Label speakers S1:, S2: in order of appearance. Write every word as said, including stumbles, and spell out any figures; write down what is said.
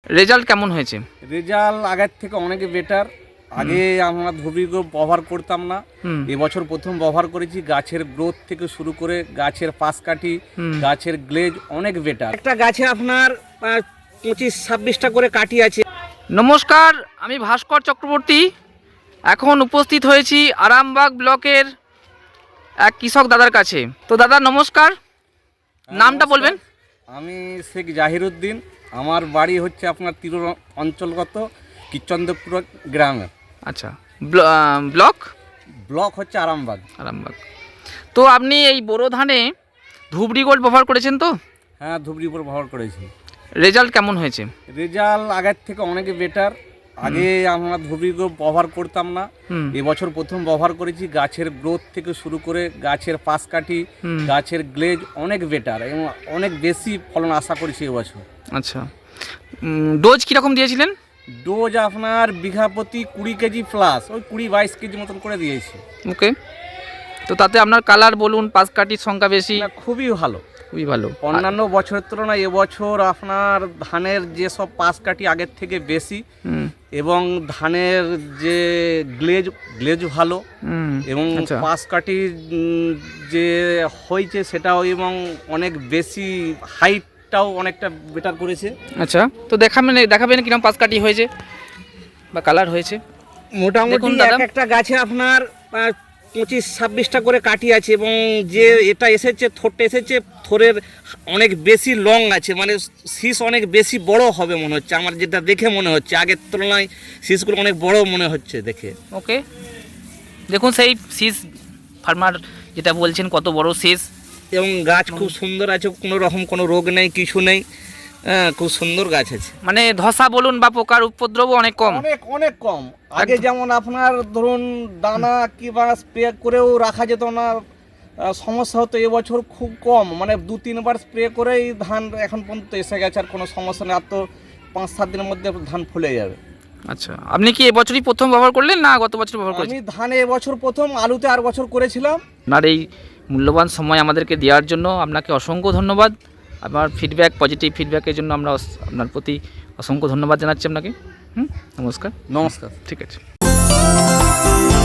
S1: Result কেমন হয়েছে?
S2: Result আগের থেকে অনেক বেটার। আগে আমরা ধুবড়ি গ্রুপ ব্যবহার করতাম না, এবছর প্রথম ব্যবহার করেছি। গাছের গ্রোথ থেকে শুরু করে গাছের পাশ কাঠি, গাছের গ্লেজ অনেক বেটার।
S3: একটা গাছে আপনার পঁচিশ ছাব্বিশটা করে কাঠি আছে।
S1: নমস্কার, আমি ভাস্কর চক্রবর্তী। এখন উপস্থিত হয়েছি আরামবাগ ব্লকের এক কৃষক দাদার কাছে। তো দাদা নমস্কার, নামটা বলবেন?
S2: আমি শেখ জাহিরুদ্দিন। আমার বাড়ি হচ্ছে আপনার তিরুর অঞ্চলগত কিচন্দ্রপুর গ্রামে।
S1: আচ্ছা, ব্লক
S2: ব্লক হচ্ছে আরামবাগ।
S1: আরামবাগ। তো আপনি এই বোরো ধানে ধুবড়ি গোল্ড ব্যবহার করেছেন তো?
S2: হ্যাঁ, ধুবড়ি উপর ব্যবহার করেছি।
S1: রেজাল্ট কেমন হয়েছে?
S2: রেজাল্ট আগের থেকে অনেক বেটার। আগে আমরা ধুবড়ি গ্রুপ ব্যবহার করতাম না, এবছর প্রথম ব্যবহার করেছি। গাছের গ্রোথ থেকে শুরু করে গাছের পাশ কাঠি, গাছের গ্লেজ অনেক বেটার এবং অনেক বেশি ফলন আশা করছি এবছর।
S1: আচ্ছা, ডোজ কীরকম দিয়েছিলেন?
S2: ডোজ আপনার বিঘা প্রতি কুড়ি কেজি প্লাস, ওই কুড়ি বাইশ কেজি মতন করে দিয়েছি।
S1: ওকে। তো তাতে আপনার কালার বলুন, পাশ কাঠির সংখ্যা বেশি?
S2: খুবই ভালো,
S1: খুবই ভালো।
S2: অন্যান্য বছরের তুলনায় এবছর আপনার ধানের যেসব পাশ কাঠি আগের থেকে বেশি, এবং ধানের যে গ্লেজ গ্লেজ ভালো, এবং পাশ কাঠি যে হয়েছে সেটাও এবং অনেক বেশি হাইটটাও অনেকটা বেটার করেছে।
S1: আচ্ছা, তো দেখাবেন দেখাবেন কিরকম পাশ কাঠি হয়েছে বা কালার হয়েছে?
S3: মোটামুটি এক একটা গাছে আপনার পঁচিশ ছাব্বিশটা করে কাঠি আছে, এবং যে এটা এসেছে থোরটা এসেছে, থোরের অনেক বেশি লং আছে, মানে শীষ অনেক বেশি বড় হবে মনে হচ্ছে আমার, যেটা দেখে মনে হচ্ছে আগের তুলনায় শীষগুলো অনেক বড় মনে হচ্ছে দেখে।
S1: ওকে, দেখুন সেই শীষ ফার্মার যেটা বলছেন কত বড় শীষ,
S3: এবং গাছ খুব সুন্দর আছে, কোনো রকম কোনো রোগ নেই, কিছু নেই। হ্যাঁ, খুব সুন্দর গাছ আছে।
S1: মানে ধসা বলুন বা পোকার উপদ্রব অনেক কম,
S2: অনেক অনেক কম। আগে যেমন আপনার ধরুন দানা কিংবা স্প্রে করেও রাখা যেত না, সমস্যা হতো। এবছর খুব কম, মানে দু তিনবার স্প্রে করেই ধান এখন পর্যন্ত এসে গেছে, আর কোনো সমস্যা নেই। আর তো পাঁচ সাত দিনের মধ্যে ধান ফুলে যাবে।
S1: আচ্ছা, আপনি কি এবছরই প্রথম ব্যবহার করলেন না গত বছর ব্যবহার করেছেন?
S2: আমি ধানে এবছর প্রথম, আলুতে আর বছর করেছিলাম।
S1: আপনার এই মূল্যবান সময় আমাদেরকে দেওয়ার জন্য আপনাকে অসংখ্য ধন্যবাদ। আমার ফিডব্যাক, পজিটিভ ফিডব্যাকের জন্য আমরা আপনার প্রতি অসংখ্য ধন্যবাদ জানাচ্ছি আপনাকে। হুম, নমস্কার।
S2: নমস্কার।
S1: ঠিক আছে।